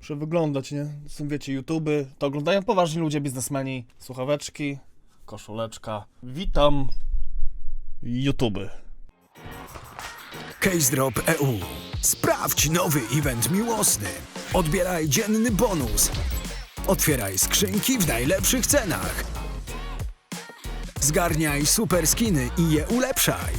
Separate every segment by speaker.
Speaker 1: Muszę wyglądać, nie? Są, wiecie, YouTuby, to oglądają poważni ludzie, biznesmeni, słuchaweczki, koszuleczka. Witam, YouTuby.
Speaker 2: CaseDrop EU. Sprawdź nowy event miłosny. Odbieraj dzienny bonus. Otwieraj skrzynki w najlepszych cenach. Zgarniaj super skiny i je ulepszaj.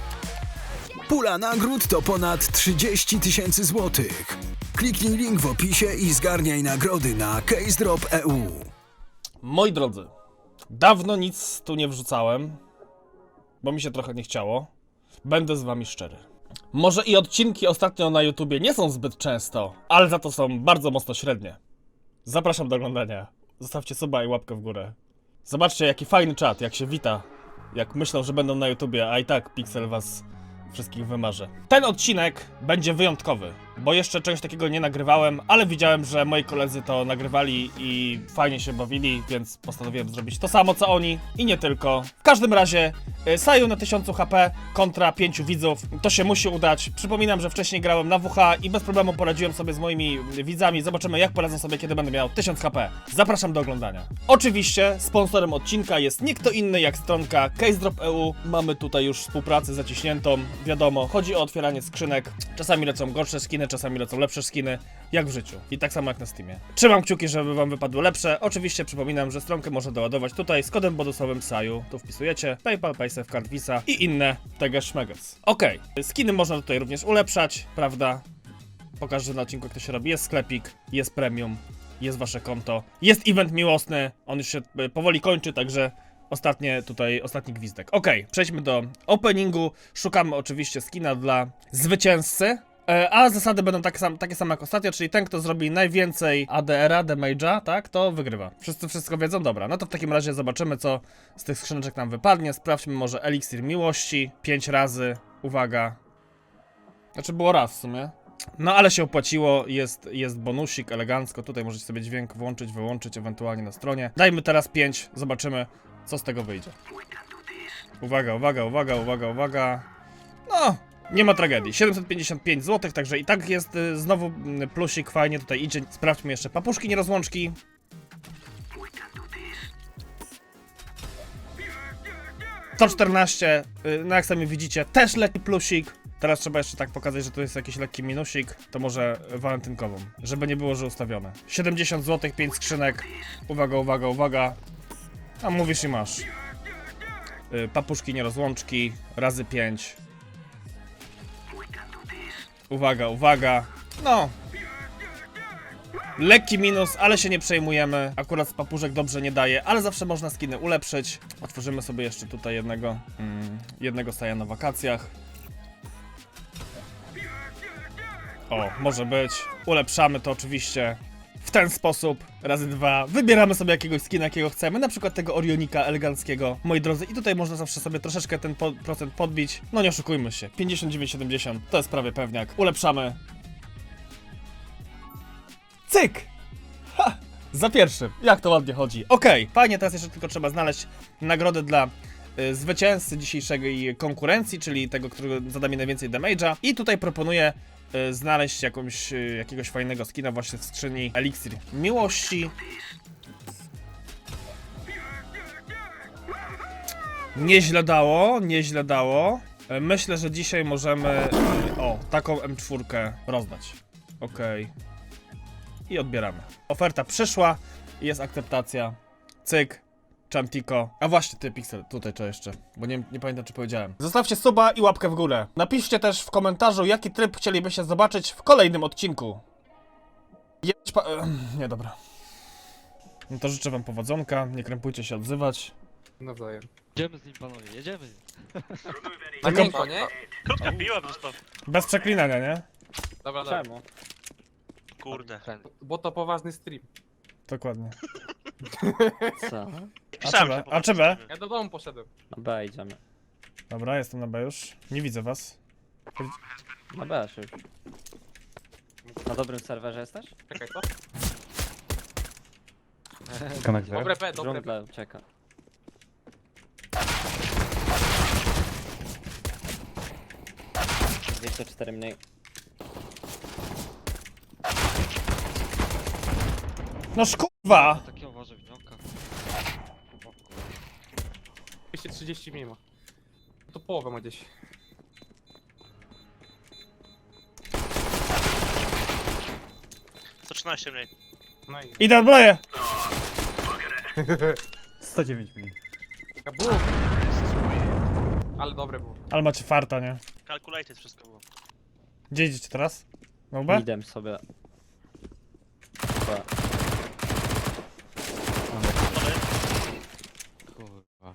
Speaker 2: Pula nagród to ponad 30 000 złotych. Kliknij link w opisie i zgarniaj nagrody na CaseDrop EU.
Speaker 1: Moi drodzy, dawno nic tu nie wrzucałem, bo mi się trochę nie chciało. Będę z wami szczery. Może i odcinki ostatnio na YouTubie nie są zbyt często, ale za to są bardzo mocno średnie. Zapraszam do oglądania. Zostawcie suba i łapkę w górę. Zobaczcie, jaki fajny czat, jak się wita. Jak myślą, że będą na YouTubie, a i tak Pixel was wszystkich wymarzy. Ten odcinek będzie wyjątkowy, bo jeszcze czegoś takiego nie nagrywałem, ale widziałem, że moi koledzy to nagrywali i fajnie się bawili, więc postanowiłem zrobić to samo co oni i nie tylko. W każdym razie Saju na 1000 HP kontra 5 widzów, to się musi udać. Przypominam, że wcześniej grałem na WH i bez problemu poradziłem sobie z moimi widzami. Zobaczymy, jak poradzę sobie, kiedy będę miał 1000 HP. Zapraszam do oglądania. Oczywiście sponsorem odcinka jest nie kto inny jak stronka CaseDrop EU. Mamy tutaj już współpracę zaciśniętą. Wiadomo, chodzi o otwieranie skrzynek. Czasami lecą gorsze skiny, czasami lecą lepsze skiny, jak w życiu. I tak samo jak na Steamie. Trzymam kciuki, żeby wam wypadły lepsze. Oczywiście przypominam, że stronkę można doładować tutaj z kodem bonusowym SAJU. Tu wpisujecie PayPal, PaySafeCard, Visa i inne teges szmeges. Okej, skiny można tutaj również ulepszać, prawda? Pokażę na odcinku, jak to się robi. Jest sklepik, jest premium, jest wasze konto, jest event miłosny. On już się powoli kończy, także ostatni gwizdek. Okej, przejdźmy do openingu. Szukamy oczywiście skina dla zwycięzcy. A zasady będą takie same jak ostatnio, czyli ten, kto zrobi najwięcej ADR-a, damage'a, tak, to wygrywa. Wszyscy wszystko wiedzą? Dobra, no to w takim razie zobaczymy, co z tych skrzyneczek nam wypadnie. Sprawdźmy może eliksir miłości. 5 razy, uwaga. Znaczy było raz w sumie. No ale się opłaciło, jest bonusik, elegancko. Tutaj możecie sobie dźwięk włączyć, wyłączyć, ewentualnie na stronie. Dajmy teraz 5, zobaczymy, co z tego wyjdzie. Uwaga, uwaga, uwaga, uwaga, uwaga. No, nie ma tragedii. 755 zł, także i tak jest znowu plusik, fajnie tutaj idzie. Sprawdźmy jeszcze papuszki, nierozłączki. To 14, no jak sami widzicie, też lekki plusik. Teraz trzeba jeszcze tak pokazać, że tu jest jakiś lekki minusik. To może walentynkową, żeby nie było, że ustawione. 70 zł, 5 skrzynek. Uwaga, uwaga, uwaga. A mówisz i masz. Papuszki, nierozłączki, razy 5. Uwaga, uwaga. No. Lekki minus, ale się nie przejmujemy. Akurat z papuszek dobrze nie daje, ale zawsze można skiny ulepszyć. Otworzymy sobie jeszcze tutaj jednego Saja na wakacjach. O, może być. Ulepszamy to oczywiście w ten sposób. Razy 2. Wybieramy sobie jakiegoś skina, jakiego chcemy. Na przykład tego Orionika eleganckiego, moi drodzy. I tutaj można zawsze sobie troszeczkę ten procent podbić. No nie oszukujmy się. 59,70 to jest prawie pewniak. Ulepszamy. Cyk! Ha! Za pierwszym. Jak to ładnie chodzi. Okej, fajnie, teraz jeszcze tylko trzeba znaleźć nagrodę dla zwycięzcy dzisiejszej konkurencji, czyli tego, który zada mi najwięcej damage'a. I tutaj proponuję znaleźć jakiegoś fajnego skina właśnie w skrzyni eliksir miłości. Nieźle dało, nieźle dało. Myślę, że dzisiaj możemy taką M4 rozdać. Okej. I odbieramy. Oferta przyszła, jest akceptacja. Cyk. Chantiko. A właśnie, ty, Pixel, tutaj co jeszcze, bo nie pamiętam, czy powiedziałem. Zostawcie suba i łapkę w górę. Napiszcie też w komentarzu, jaki tryb chcielibyście zobaczyć w kolejnym odcinku. Nie, dobra. No to życzę wam powodzonka, nie krępujcie się odzywać.
Speaker 3: Nawzajem.
Speaker 4: Jedziemy z nim, panowie, jedziemy.
Speaker 3: Na miękko, nie?
Speaker 5: Krótka piła zostaw.
Speaker 1: Bez przeklinania, nie?
Speaker 3: Dobra, dobra.
Speaker 4: Czemu?
Speaker 5: Kurde.
Speaker 3: Bo to poważny stream.
Speaker 1: Dokładnie.
Speaker 4: Co?
Speaker 5: Pisałem, że
Speaker 1: A czy B?
Speaker 3: Ja do domu poszedłem.
Speaker 4: Na B idziemy.
Speaker 1: Dobra, jestem na B już. Nie widzę was.
Speaker 4: Na B się już. Na dobrym serwerze jesteś?
Speaker 3: Czekaj, co?
Speaker 6: Konektor.
Speaker 3: Dobre P, dobre P.
Speaker 4: Dżungla ucieka. ...204 mniej.
Speaker 1: No kurwa!
Speaker 6: Takie uważaj w nioka.
Speaker 3: 230 mimo. To połowę ma gdzieś.
Speaker 5: To 13 mniej.
Speaker 3: No i...
Speaker 1: Idę odbroję!
Speaker 4: 109 mniej.
Speaker 3: Kabum! Ale dobre było.
Speaker 1: Ale macie farta, nie?
Speaker 5: Calculated wszystko było.
Speaker 1: Gdzie idziecie teraz? No B?
Speaker 4: Idem sobie. Dobra.
Speaker 5: Dobry.
Speaker 6: Kurwa.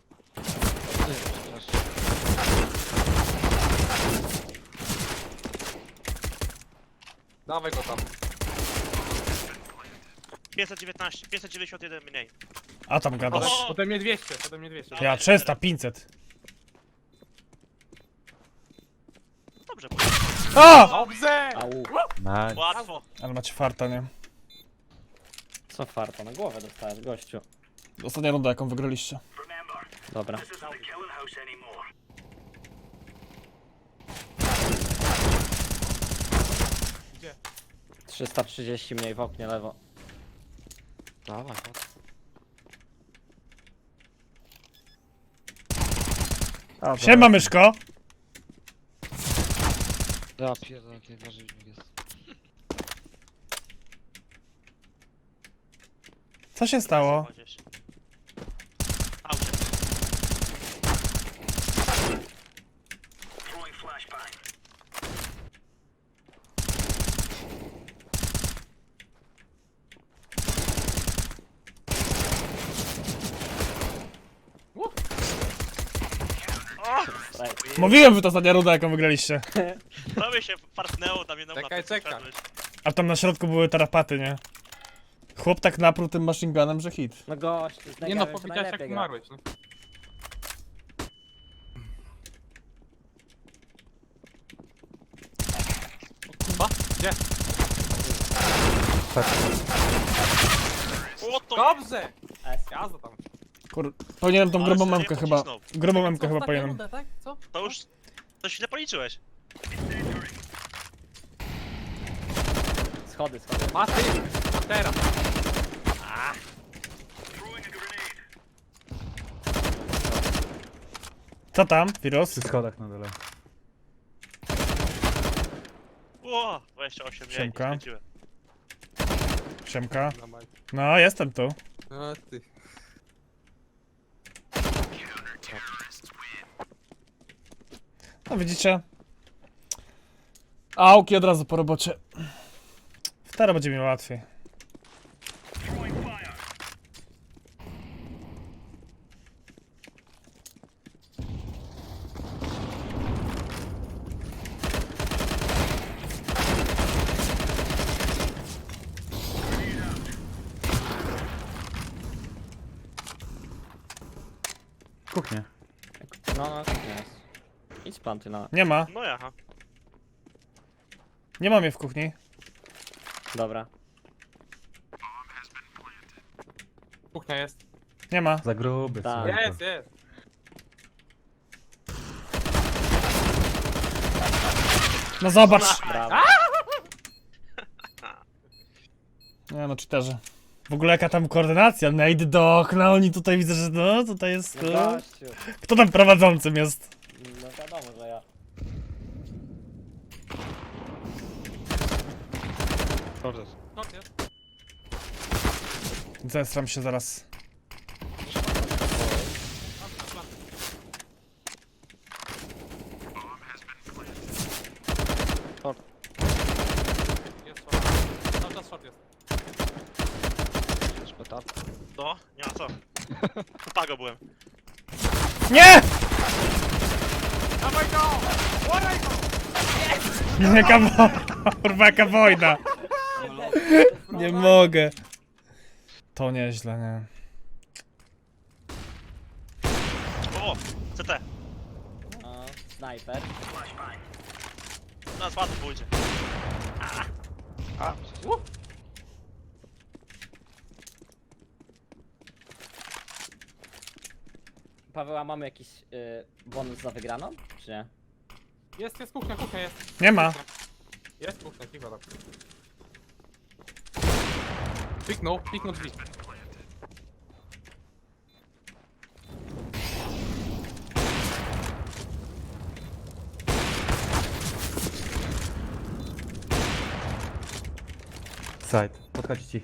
Speaker 3: Dawaj go tam.
Speaker 5: 519, 591 mniej.
Speaker 1: A tam gadasz.
Speaker 5: O!
Speaker 3: Ode mnie 200, ode mnie 200.
Speaker 1: Ja 300, 500.
Speaker 5: Dobrze,
Speaker 1: A!
Speaker 3: Dobrze!
Speaker 4: Au.
Speaker 5: łatwo.
Speaker 1: Ale macie farta, nie?
Speaker 4: Co farta? Na głowę dostałeś, gościu.
Speaker 1: Ostatnia runda, jaką wygraliście.
Speaker 4: Dobra.
Speaker 3: Gdzie?
Speaker 4: 330 mniej w oknie lewo.
Speaker 6: Dawaj, chodź.
Speaker 1: Siema, myszko!
Speaker 6: Ja pierdolę, jaki warzywnik jest.
Speaker 1: Co się stało?
Speaker 5: Gdzieś. Aucie.
Speaker 4: Right.
Speaker 1: Mówiłem, że to ostatnia runda, jaką wygraliście.
Speaker 5: Prawie się fartnęło tam jedną
Speaker 3: Czekaj,
Speaker 5: mapę,
Speaker 3: czekaj.
Speaker 5: wszedłeś.
Speaker 1: A tam na środku były tarapaty, nie? Chłop tak napruł tym machine gunem, że hit.
Speaker 4: No gościu, z
Speaker 3: Nie no,
Speaker 4: negarem to
Speaker 3: powiedziałeś jak
Speaker 4: najlepiej gra.
Speaker 3: umarłeś, nie? O kurwa, gdzie?
Speaker 5: O to!
Speaker 3: Dobrze!
Speaker 4: S.
Speaker 3: Jazda tam.
Speaker 1: Kur... Powinienem tą
Speaker 5: Ale
Speaker 1: grubą
Speaker 5: sobie
Speaker 1: memkę chyba.
Speaker 5: pocisnął.
Speaker 1: Grubą memkę
Speaker 3: Co,
Speaker 1: chyba
Speaker 3: ostatnia
Speaker 1: powinienem.
Speaker 3: runda, tak? Co?
Speaker 5: To już... To źle policzyłeś.
Speaker 4: Schody, schody.
Speaker 3: A ty! A teraz!
Speaker 1: Co tam, Virus?
Speaker 7: schodach na dole.
Speaker 5: O, 28 mniej,
Speaker 1: Siemka.
Speaker 5: skręciłem.
Speaker 1: Siemka.
Speaker 3: Na maj.
Speaker 1: No, jestem tu.
Speaker 3: A ty.
Speaker 1: No widzicie? Auki od razu po robocie. Teraz będzie mi łatwiej.
Speaker 7: Kuchnia.
Speaker 4: No, no, tak jest. Idź planty na...
Speaker 1: Nie ma.
Speaker 5: No jaha.
Speaker 1: Nie ma mnie w kuchni.
Speaker 4: Dobra.
Speaker 3: Kuchnia jest.
Speaker 1: Nie ma.
Speaker 7: Za gruby,
Speaker 4: Tak.
Speaker 7: słuchaj.
Speaker 3: Jest, jest.
Speaker 1: No zobacz.
Speaker 4: Brawo.
Speaker 1: Nie no, cheaterzy. W ogóle jaka tam koordynacja? Nade do okna, oni tutaj widzę, że no, tutaj jest...
Speaker 4: No gościu.
Speaker 1: Kto tam prowadzącym jest?
Speaker 4: No wiadomo, że ja.
Speaker 6: Kurde.
Speaker 3: No jest.
Speaker 1: Zestram się zaraz.
Speaker 3: Jest short. Cały czas short jest.
Speaker 6: Szpetar.
Speaker 5: To? Nie ma co. Upago byłem.
Speaker 1: Nie!
Speaker 3: Dawaj go! Łoraj go!
Speaker 1: Jaka kurwa, jaka wojna. Nie mogę. To nieźle, nie.
Speaker 5: O, CT.
Speaker 4: No, snajper.
Speaker 5: Teraz łatwo pójdzie.
Speaker 6: A,
Speaker 4: Paweł, a mamy jakiś bonus za wygraną? Czy nie?
Speaker 3: Jest kuchnia, kuchnia jest.
Speaker 1: Nie ma.
Speaker 3: Jest kuchnia, cicho tam. Piknął drzwi.
Speaker 7: Side. Podchodź ci.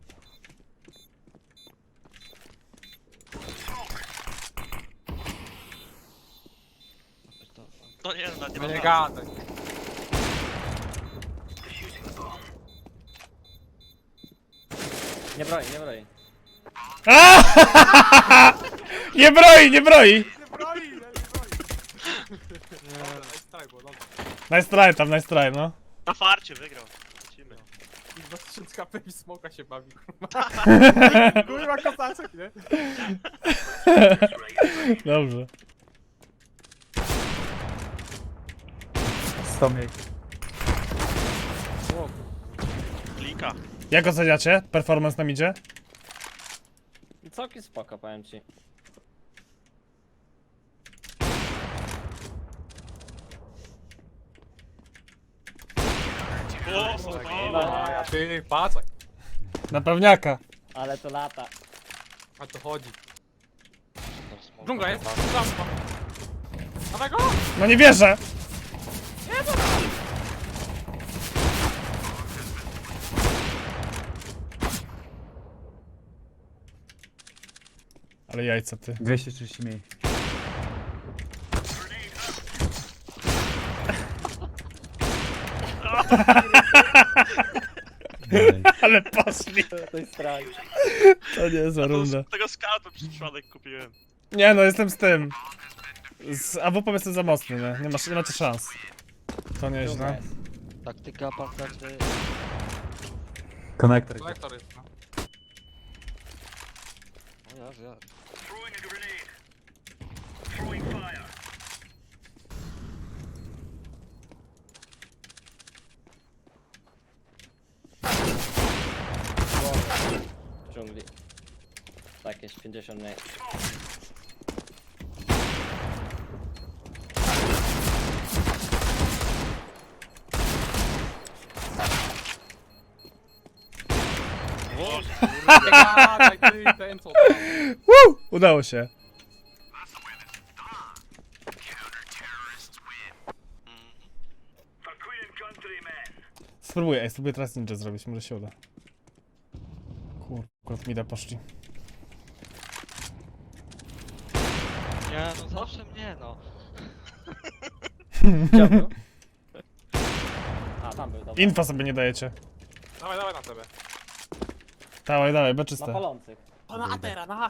Speaker 5: No nie, no nie
Speaker 3: No nie
Speaker 5: ma
Speaker 3: gadaj.
Speaker 4: Nie broi, nie broi.
Speaker 1: Nie broi, nie broi!
Speaker 3: Nie broi, nie broi. Dobra, nice try było, dobra.
Speaker 1: Nice try tam, nice try, no.
Speaker 5: Na farcie wygrał. Lecimy.
Speaker 3: I 2000 HP i smoka się bawi, kurwa. Kurwa kosaczek, nie?
Speaker 1: Dobrze.
Speaker 7: 100 mniej.
Speaker 5: Klika.
Speaker 1: Jak oceniacie performance na midzie?
Speaker 4: Całkiem spoko, powiem ci.
Speaker 5: O,
Speaker 3: A ty, patrz.
Speaker 1: Na pewniaka.
Speaker 4: Ale to lata.
Speaker 3: A to chodzi.
Speaker 6: Tam smoka
Speaker 3: Dżungla jest,
Speaker 6: nie ma.
Speaker 3: dżungla. Dawaj go!
Speaker 1: No nie wierzę! Ale jajca ty.
Speaker 7: 230 mniej.
Speaker 1: Ale poszli.
Speaker 4: To jest strach.
Speaker 1: To nie jest runda.
Speaker 5: Tego scouta przez przypadek kupiłem.
Speaker 1: Nie no, jestem z tym. Z AWP jestem za mocny, nie? Nie macie szans. To nieźle.
Speaker 6: Taktyka pancerny.
Speaker 7: Konektor.
Speaker 3: Kolektor jest, no.
Speaker 6: O ja.
Speaker 4: W dżungli. Tak, jest 50 mniej.
Speaker 3: Nie gadaj, ty, ten co tam.
Speaker 1: Woo! Udało się. Spróbuję teraz ninja zrobić, może się uda. Akurat mida poszli.
Speaker 6: Nie, no zawsze mnie, no.
Speaker 4: Gdzie był? A, tam był, dobra.
Speaker 1: Infa sobie nie dajecie.
Speaker 3: Dawaj na tebe.
Speaker 1: Dawaj,
Speaker 4: Na
Speaker 1: beczyste.
Speaker 4: palących.
Speaker 3: Pana Atera, na!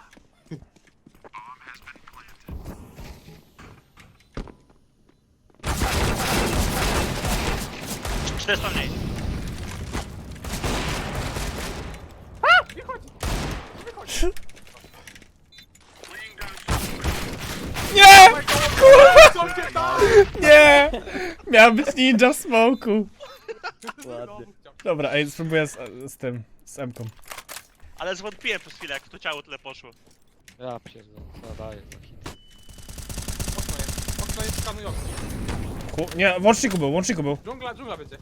Speaker 5: 400 mniej.
Speaker 1: Nie!
Speaker 3: Co cię tam?
Speaker 1: Nie! Miał być ninja w smoku.
Speaker 4: Ładnie.
Speaker 1: Dobra, ej, spróbuję z tym, z M-ką.
Speaker 5: Ale zwątpiłem przez chwilę, jak to ciało tyle poszło.
Speaker 6: Ja pierdolę, co daję za hit.
Speaker 3: Okno jest skanujące.
Speaker 1: Nie, w łączniku był.
Speaker 3: Dżungla będzie.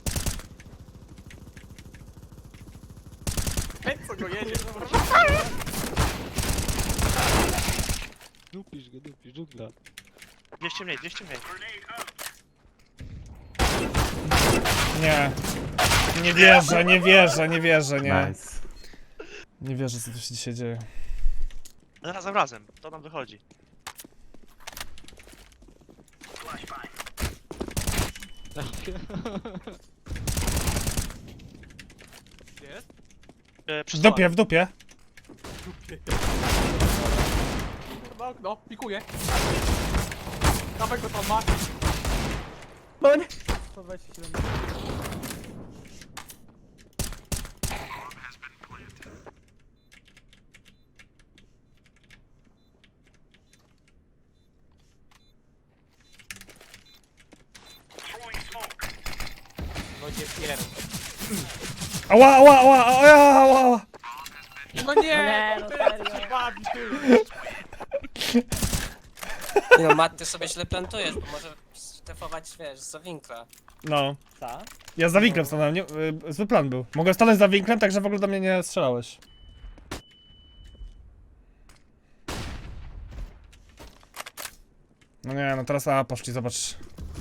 Speaker 3: Hej, co go jedzie?
Speaker 6: Dupisz, dżungla.
Speaker 5: 200 mniej.
Speaker 1: Nie. Nie wierzę, nie.
Speaker 7: Nice.
Speaker 1: Nie wierzę, co tu się dzisiaj dzieje.
Speaker 5: Razem, to nam wychodzi.
Speaker 3: Jest?
Speaker 5: Przy
Speaker 1: W
Speaker 5: stołach.
Speaker 1: dupie.
Speaker 3: Kurwa okno, pikuje. Dawaj go tam, Mati.
Speaker 4: No nie! 127.
Speaker 3: No nie pierd.
Speaker 1: Ała.
Speaker 3: No nie!
Speaker 4: Nie, no
Speaker 3: ty,
Speaker 4: serio.
Speaker 3: co się bawi, ty.
Speaker 8: Nie no, Matt, ty sobie źle plantujesz, bo może defować, wiesz, za winkla.
Speaker 1: No.
Speaker 4: Ta?
Speaker 1: Ja za winklem stanąłem, nie, zły plan był. Mogę stanąć za winklem, tak że w ogóle do mnie nie strzelałeś. No nie, no teraz poszli, zobacz.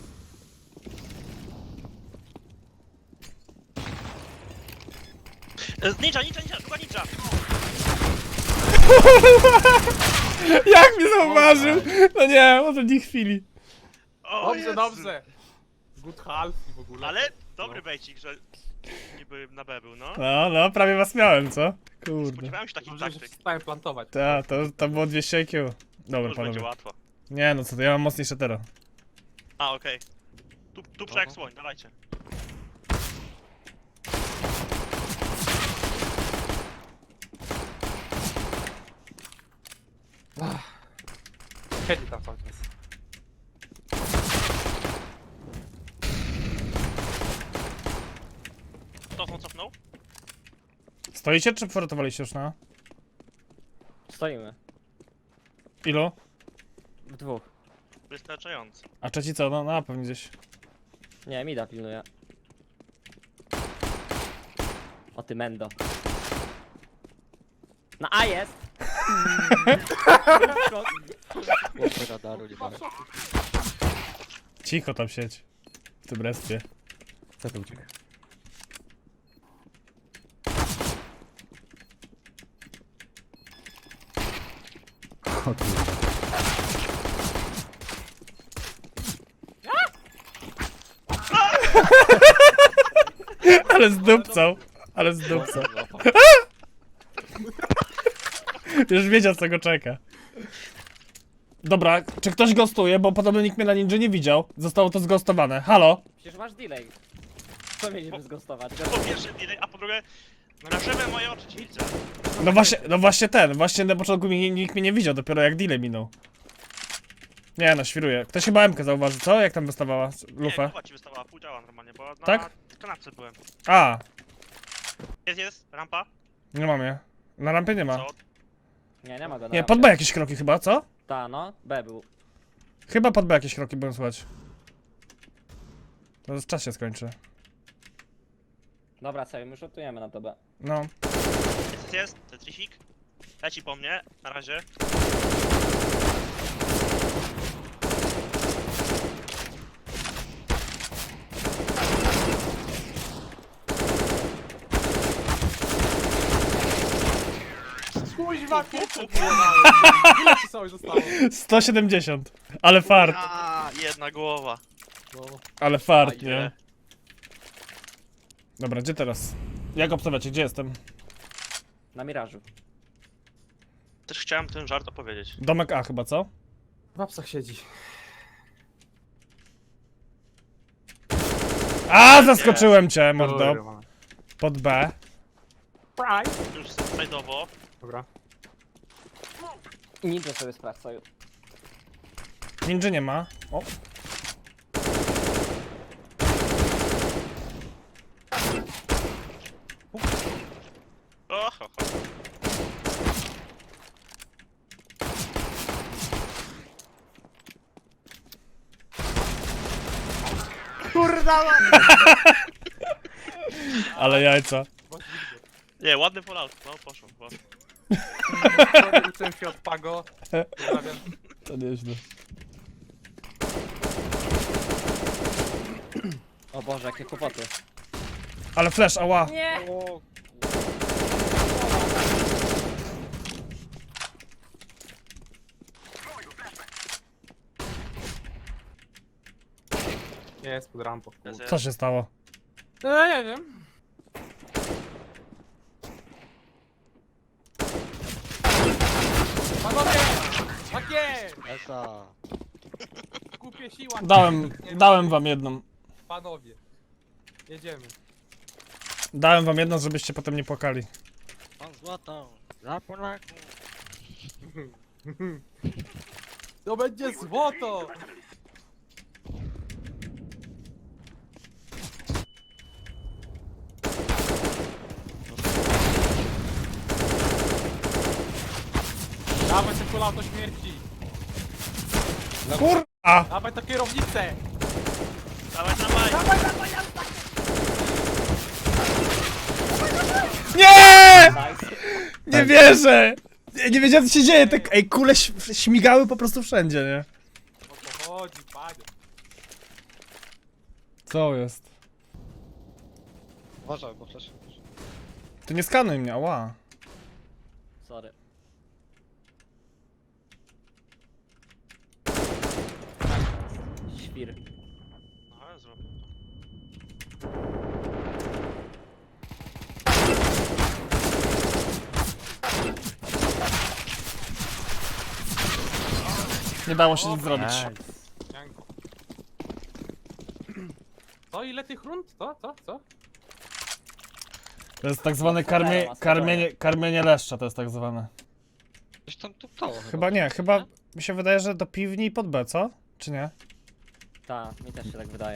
Speaker 5: Ninja, druga ninja!
Speaker 1: Jak mnie zauważył? No nie, może nie chwili.
Speaker 5: O,
Speaker 3: Dobrze,
Speaker 5: Jezu.
Speaker 3: dobrze. Good half i w ogóle.
Speaker 5: Ale dobry bejcik, że niby na B był, no.
Speaker 1: No, prawie was miałem, co? Kurde.
Speaker 5: Spodziewałem się takich
Speaker 3: Dobrze, że
Speaker 5: taktyk.
Speaker 3: przestałem plantować.
Speaker 1: To było 200 IQ.
Speaker 5: To
Speaker 1: Dobra,
Speaker 5: już będzie
Speaker 1: panowie.
Speaker 5: łatwo.
Speaker 1: Nie, no co to, ja mam mocniejsze tero.
Speaker 5: A, okej. Tu jak słoń, dawajcie.
Speaker 3: Siedzi tam cały czas.
Speaker 5: Cofnął?
Speaker 1: Stoicie, czy porotowaliście już na?
Speaker 4: Stoimy.
Speaker 1: Ilu?
Speaker 4: W dwóch.
Speaker 5: Wystarczająco.
Speaker 1: A trzeci co? No, pewnie gdzieś.
Speaker 4: Nie, mida pilnuje. O ty mendo. Na A jest!
Speaker 6: Chłopy radaru nie mamy.
Speaker 1: Cicho tam siedź. W tym respie.
Speaker 7: Co to uciekł? O kurwa.
Speaker 1: Ale zdupcał. Ale zdupcał. Już wiedział, co go czeka. Dobra, czy ktoś gostuje, bo podobno nikt mnie na ninja nie widział. Zostało to zgostowane. Halo?
Speaker 4: Przecież masz delay. Co mieliśmy zgostować?
Speaker 5: Po pierwsze delay, a po drugie na żywe moje oczy ci widzę.
Speaker 1: Właśnie na początku nikt mnie nie widział, dopiero jak delay minął. Nie no, świruję. Ktoś chyba M-kę zauważył, co? Jak tam wystawała
Speaker 5: Nie,
Speaker 1: lufę?
Speaker 5: głowa ci wystawała, pół działa normalnie, bo na
Speaker 1: Tak?
Speaker 5: kanapce byłem.
Speaker 1: A,
Speaker 5: Jest, rampa.
Speaker 1: nie mam je. Na rampie nie ma.
Speaker 5: Co?
Speaker 4: Nie ma go na
Speaker 1: Nie,
Speaker 4: rampie.
Speaker 1: pod B jakieś kroki chyba, co?
Speaker 4: Ta, no. B był.
Speaker 1: Chyba pod B jakieś kroki byłem słychać. To w czasie skończy.
Speaker 4: Dobra, sobie my szutujemy na to B.
Speaker 5: No.
Speaker 1: No.
Speaker 5: Jest, Tetrisik. Leci po mnie, na razie.
Speaker 3: Kuźwa, kurczę, ile ci sobie zostało?
Speaker 1: 170. Ale fart,
Speaker 5: A, jedna głowa.
Speaker 3: No,
Speaker 1: ale fart,
Speaker 5: Fajnie.
Speaker 1: nie? Dobra, gdzie teraz? Jak obstawiacie, gdzie jestem?
Speaker 4: Na mirażu.
Speaker 5: Też chciałem ten żart opowiedzieć.
Speaker 1: Domek A chyba, co?
Speaker 3: w apsach siedzi.
Speaker 1: A, zaskoczyłem cię, mordo.
Speaker 3: Kurwa.
Speaker 1: Pod B.
Speaker 3: Price.
Speaker 5: Już slajdowo.
Speaker 3: Dobra.
Speaker 4: Ninja sobie sprawdzają.
Speaker 1: Ninja nie ma. O.
Speaker 5: O, ho, ho.
Speaker 1: Ale jajca.
Speaker 5: Nie, ładny fallout. No, poszło.
Speaker 3: Sorry, uczyłem się od Pago. Pozdrawiam.
Speaker 1: To nieźle.
Speaker 4: O Boże, jakie kłopoty.
Speaker 1: Ale flash, ała.
Speaker 4: Nie!
Speaker 3: Jest pod rampą.
Speaker 5: Jest,
Speaker 1: Co się stało?
Speaker 3: No nie wiem. Panowie! Tak jest!
Speaker 6: Esa.
Speaker 3: Kupię siła.
Speaker 1: Dałem wam jedną.
Speaker 3: Panowie. Jedziemy.
Speaker 1: Dałem wam jedną, żebyście potem nie płakali.
Speaker 6: Mam złotą. Dla Polaków.
Speaker 3: To będzie złoto! Dawaj te kulauto śmierci!
Speaker 1: Kurwa!
Speaker 3: Dawaj to kierownicę!
Speaker 5: Dawaj, dawaj!
Speaker 1: Nie!
Speaker 4: Nice.
Speaker 1: Nie wierzę! Nie wiedziałem co się dzieje, tak, ej, kule śmigały po prostu wszędzie, nie?
Speaker 3: O to chodzi, panie.
Speaker 1: Co jest?
Speaker 6: Uważaj, bo flash.
Speaker 1: Ty nie skanuj mnie, ała.
Speaker 4: Sorry. Świr.
Speaker 5: Aha, zrobię.
Speaker 1: Nie dało się nic zrobić.
Speaker 4: Nice.
Speaker 3: Janko. Co, ile tych rund? Co?
Speaker 1: To jest tak zwane karmienie leszcza, to jest tak zwane.
Speaker 6: Coś tam tuptało
Speaker 1: Chyba nie, chyba mi się wydaje, że do piwni i pod B, co? Czy nie?
Speaker 4: Tak, mi też się tak wydaje.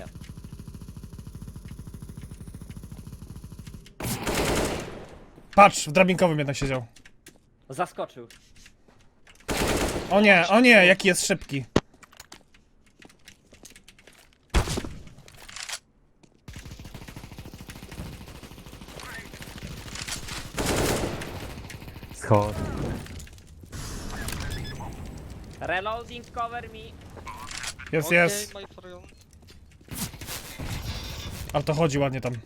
Speaker 1: Patrz, w drabinkowym jednak siedział.
Speaker 4: Zaskoczył.
Speaker 1: O nie, jaki jest szybki.
Speaker 7: Schod.
Speaker 4: Reloading, cover me.
Speaker 1: Jest,
Speaker 6: Okej,
Speaker 1: jest.
Speaker 6: my friend.
Speaker 1: Ale to chodzi ładnie tam.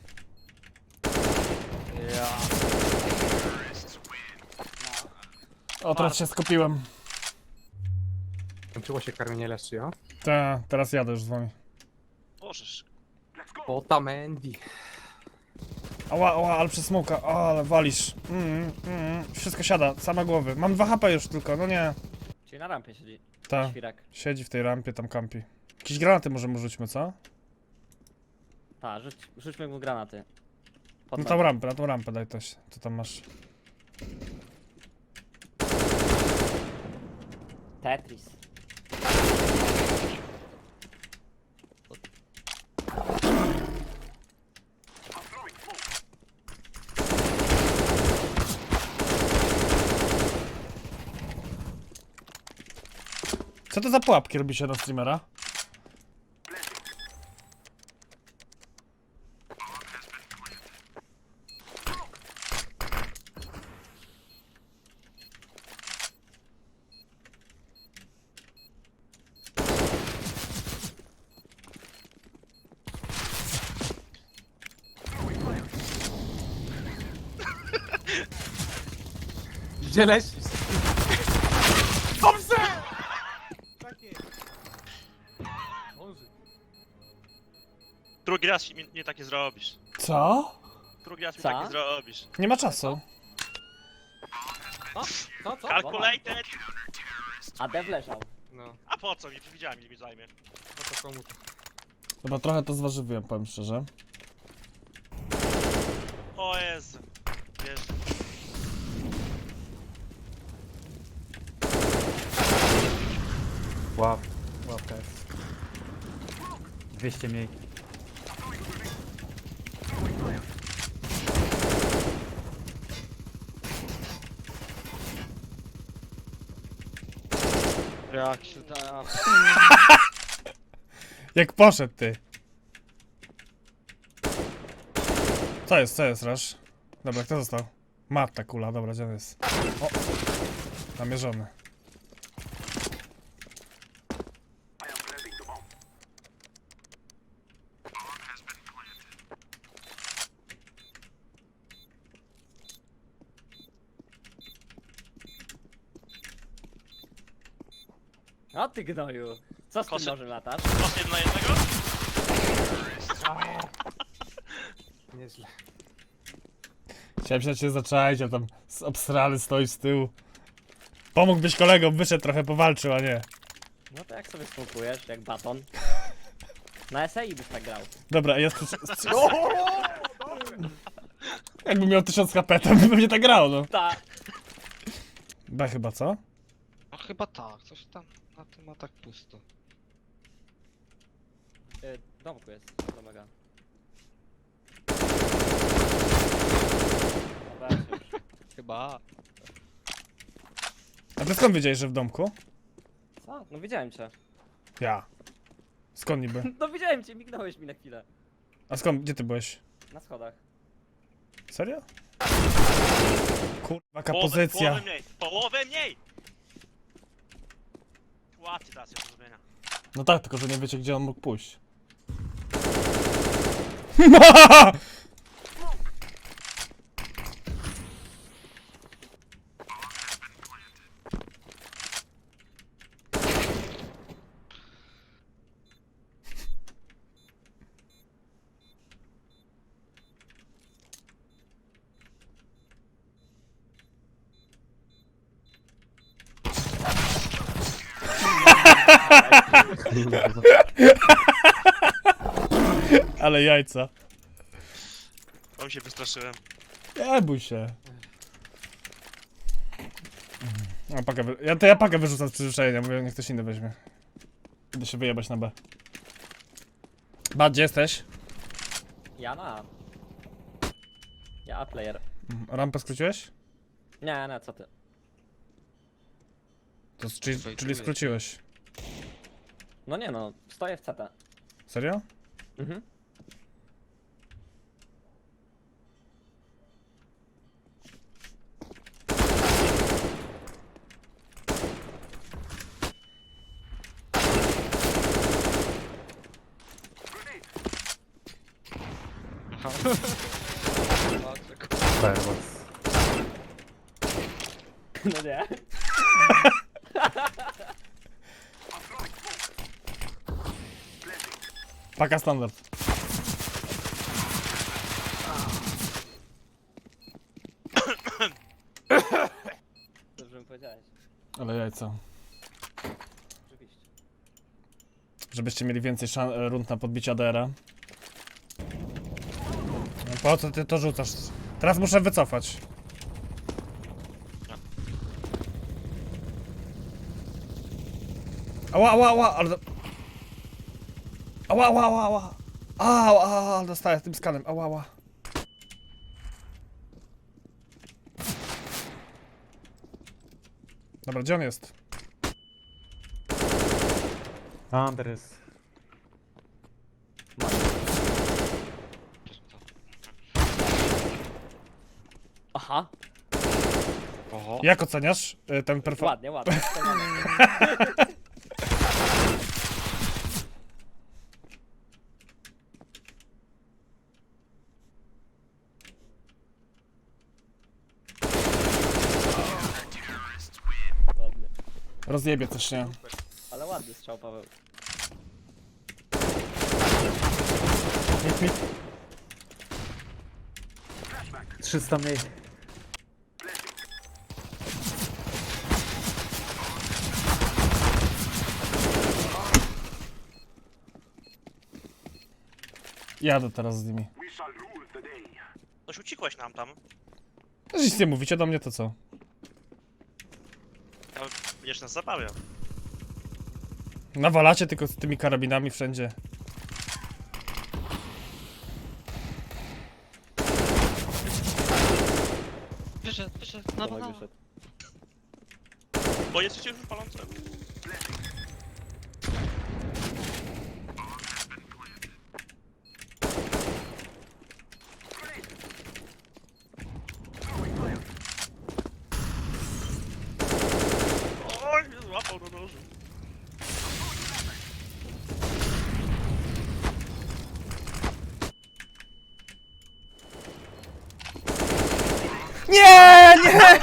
Speaker 4: Ja.
Speaker 1: O, teraz się skupiłem.
Speaker 3: Kończyło się karmienie leszczy, o?
Speaker 1: Teraz jadę już z wami.
Speaker 5: Możesz.
Speaker 3: Otamendi.
Speaker 1: Ała, ale przez smoka, ale walisz. Wszystko siada, same głowy. Mam 2 HP już tylko, no nie.
Speaker 4: Czyli na rampie siedzi.
Speaker 1: Ta,
Speaker 4: Świrek.
Speaker 1: siedzi w tej rampie, tam kampi. Jakieś granaty może mu rzućmy, co?
Speaker 4: Tak, rzućmy mu granaty. Pod
Speaker 1: Na
Speaker 4: nogi.
Speaker 1: tą rampę daj coś. Co tam masz?
Speaker 4: Tetris.
Speaker 1: Co to za pułapki robi się na streamera?
Speaker 3: Gdzie lecisz? Dobrze! Takie. Może.
Speaker 5: Drugi raz mi nie takie zrobisz.
Speaker 1: Co?
Speaker 5: Drugi raz mi
Speaker 4: Co?
Speaker 5: takie zrobisz.
Speaker 1: Nie ma czasu.
Speaker 3: Co?
Speaker 5: Calculated!
Speaker 4: A dev leżał.
Speaker 3: No,
Speaker 5: A po co mi? Widziałem ile mi zajmie.
Speaker 3: no to komu to?
Speaker 1: Dobra, trochę to zważywiłem, powiem szczerze.
Speaker 5: O Jezu. Wiesz.
Speaker 7: Łapka jest. 200 mniej.
Speaker 6: Jak się da...
Speaker 1: Jak poszedł ty. Co jest, Rasz? Dobra, kto został? Matta kula, dobra, gdzie on jest? O! Namierzony.
Speaker 4: O ty gnoju. Co z tym
Speaker 5: Kosy-
Speaker 4: nożem latasz?
Speaker 5: Masz 1 na 1?
Speaker 3: Nieźle.
Speaker 1: Chciałem się na ciebie zaczaić, a tam obsrany stoi z tyłu. Pomógłbyś kolegom, wyszedł trochę, powalczył, a nie.
Speaker 4: No to jak sobie smokujesz, jak baton. Na SEI byś tak grał.
Speaker 1: Dobra, jest tu... Jakby miał 1000 HP, to by pewnie tak grał, no.
Speaker 4: Tak.
Speaker 1: B chyba, co?
Speaker 6: No chyba tak, coś tam na tym ma tak pusto.
Speaker 4: W domku jest, to mega. Dobra, już.
Speaker 6: Chyba.
Speaker 1: A ty skąd wiedziałeś, że w domku?
Speaker 4: Co? No widziałem cię.
Speaker 1: Ja. Skąd niby?
Speaker 4: No widziałem cię, mignąłeś mi na chwilę.
Speaker 1: A skąd, gdzie ty byłeś?
Speaker 4: Na schodach.
Speaker 1: Serio? Kurwa, jaka
Speaker 5: Połowę
Speaker 1: pozycja.
Speaker 5: mniej! Połowę mniej! Łatwiej teraz jest do zrobienia.
Speaker 1: No tak, tylko że nie wiecie, gdzie on mógł pójść. Ale jajca.
Speaker 5: Bo się wystraszyłem.
Speaker 1: Nie bój się. A, pakę ja pakę wyrzucam z przyzwyczajenia, mówię, niech ktoś inny weźmie. Idę się wyjebać na B. Bad, gdzie jesteś?
Speaker 4: Ja na A. Ja A player.
Speaker 1: Rampę skróciłeś?
Speaker 4: Nie, nie, co ty?
Speaker 1: To, czyli skróciłeś.
Speaker 4: No nie no, stoję w CT.
Speaker 1: Serio?
Speaker 4: Mhm.
Speaker 7: Firebox.
Speaker 4: No nie.
Speaker 1: Paka standard.
Speaker 4: Dobrze mi powiedziałeś.
Speaker 1: Ale jajca.
Speaker 4: Oczywiście.
Speaker 1: Żebyście mieli więcej rund na podbicie ADR-a. No po co ty to rzucasz? Teraz muszę wycofać. Ała, ała, ała, ale... Ała, ała, ała, ała. Ała, ała, dostaję tym skanem, ała, ała. Dobra, gdzie on jest?
Speaker 7: Andres.
Speaker 4: Aha,
Speaker 6: Oho.
Speaker 1: Jak oceniasz ten performance?
Speaker 4: ładnie, ładnie. Ładnie.
Speaker 1: Rozjebie coś, nie?
Speaker 4: Ale ładny strzał, Paweł.
Speaker 7: 300 mniej.
Speaker 1: Jadę teraz z nimi.
Speaker 5: Coś uciekłeś nam tam.
Speaker 1: Nic nie mówicie do mnie, to co?
Speaker 5: Ale będziesz nas zabawiał.
Speaker 1: Nawalacie tylko z tymi karabinami wszędzie.
Speaker 6: Wyszedł, no,
Speaker 4: Tomek
Speaker 6: no.
Speaker 4: wyszedł.
Speaker 5: Bo jesteście już palące. Oj, mnie złapał do nożu.
Speaker 1: Nie, nie!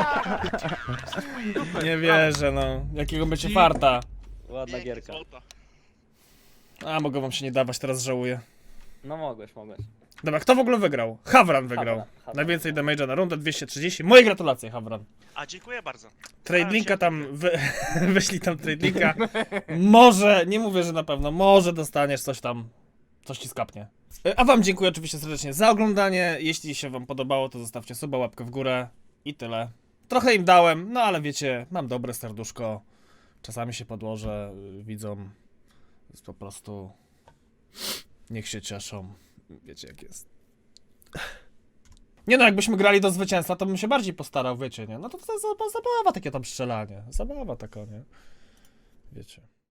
Speaker 1: Nie wierzę, no. Jakiego będzie farta.
Speaker 4: Ładna
Speaker 5: Pięknie,
Speaker 4: gierka.
Speaker 5: złota.
Speaker 1: A, mogę wam się nie dawać, teraz żałuję.
Speaker 4: No mogłeś, mogłeś.
Speaker 1: Dobra, kto w ogóle wygrał? Havran wygrał.
Speaker 4: Havran.
Speaker 1: Najwięcej damage'a na rundę, 230. Moje gratulacje, Havran.
Speaker 5: A, dziękuję bardzo.
Speaker 1: Trade linka tam, wyślij tam trade linka. Może, nie mówię, że na pewno, może dostaniesz coś tam, coś ci skapnie. A wam dziękuję oczywiście serdecznie za oglądanie. Jeśli się wam podobało, to zostawcie suba, łapkę w górę i tyle. Trochę im dałem, no ale wiecie, mam dobre serduszko. Czasami się podłożę widzom. Jest po prostu... Niech się cieszą. Wiecie jak jest. Nie no, jakbyśmy grali do zwycięstwa, to bym się bardziej postarał, wiecie, nie? No to zabawa takie tam strzelanie. Zabawa taka, nie? Wiecie.